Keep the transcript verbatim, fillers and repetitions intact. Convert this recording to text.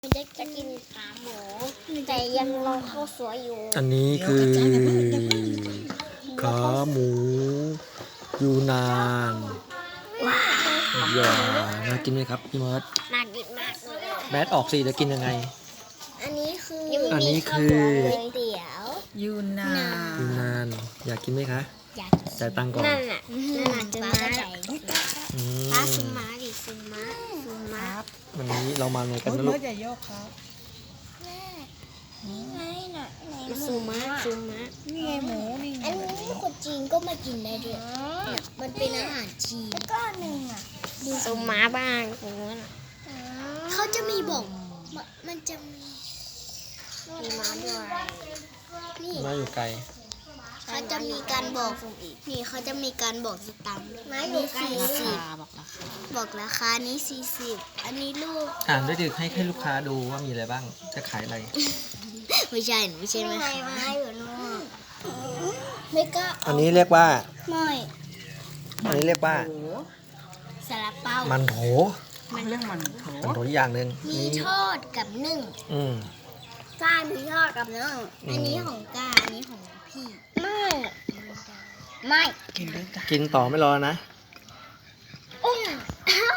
เด็กจะกินขาหมูแต่ยังรอข้าวสวยอยู่อันนี้คือขาหมูยูนานว้าวอย่าน่ากินไหมครับพี่มอสน่ากินมากเลยแมสออกสิจะกินยังไงอันนี้คืออันนี้คือก๋วยเตี๋ยวยูนานยูนานอยากกินไหมคะอยากจ่ายตังค์ก่อนนั่นน่ะนั่นน่ะจะมาใหญ่อืป้าม ซุมมาดิซุมมาซุมมาวันนี้เรามาไหนกันโอ้ยนะเมื่ลูอก จะโยกครับนี่ไงน่ะซุมมาซุมมานี่ไงหมูนี่ไงอันนี้คนจีนก็มากินได้ด้วยเนี่ยมันเป็นอาหารจีนก็หนึ่งอ่ะซุมมาบ้างตรงนั้นเขาจะมีบอกมันจะมีมีม้าด้วยนี่มาอยู่ไกลเขาจะมีการบอกนี่เขาจะมีการบอกสตังค์นี่สี่สิบบอกราคาบอกราคานี้สี่สิบอันนี้ลูกอ่านด้วยดิให้ให้ลูกค้าดูว่ามีอะไรบ้างจะขายอะไรไม่ใช่ไม่ใช่ไหมคะไม่ก็อันนี้เรียกว่าไม่อันนี้เรียกว่าโอ้ซาลาเปามันโถมันเรื่องมันโถมันโถอีกอย่างหนึ่งมีนี่ทอดกับนึ่งอืมก้ามีทอดกับนึ่งอืมอันนี้ของก้าอันนี้ของพี่ไม่ไม่กินด้วยจ้ะกินต่อไม่รอนะ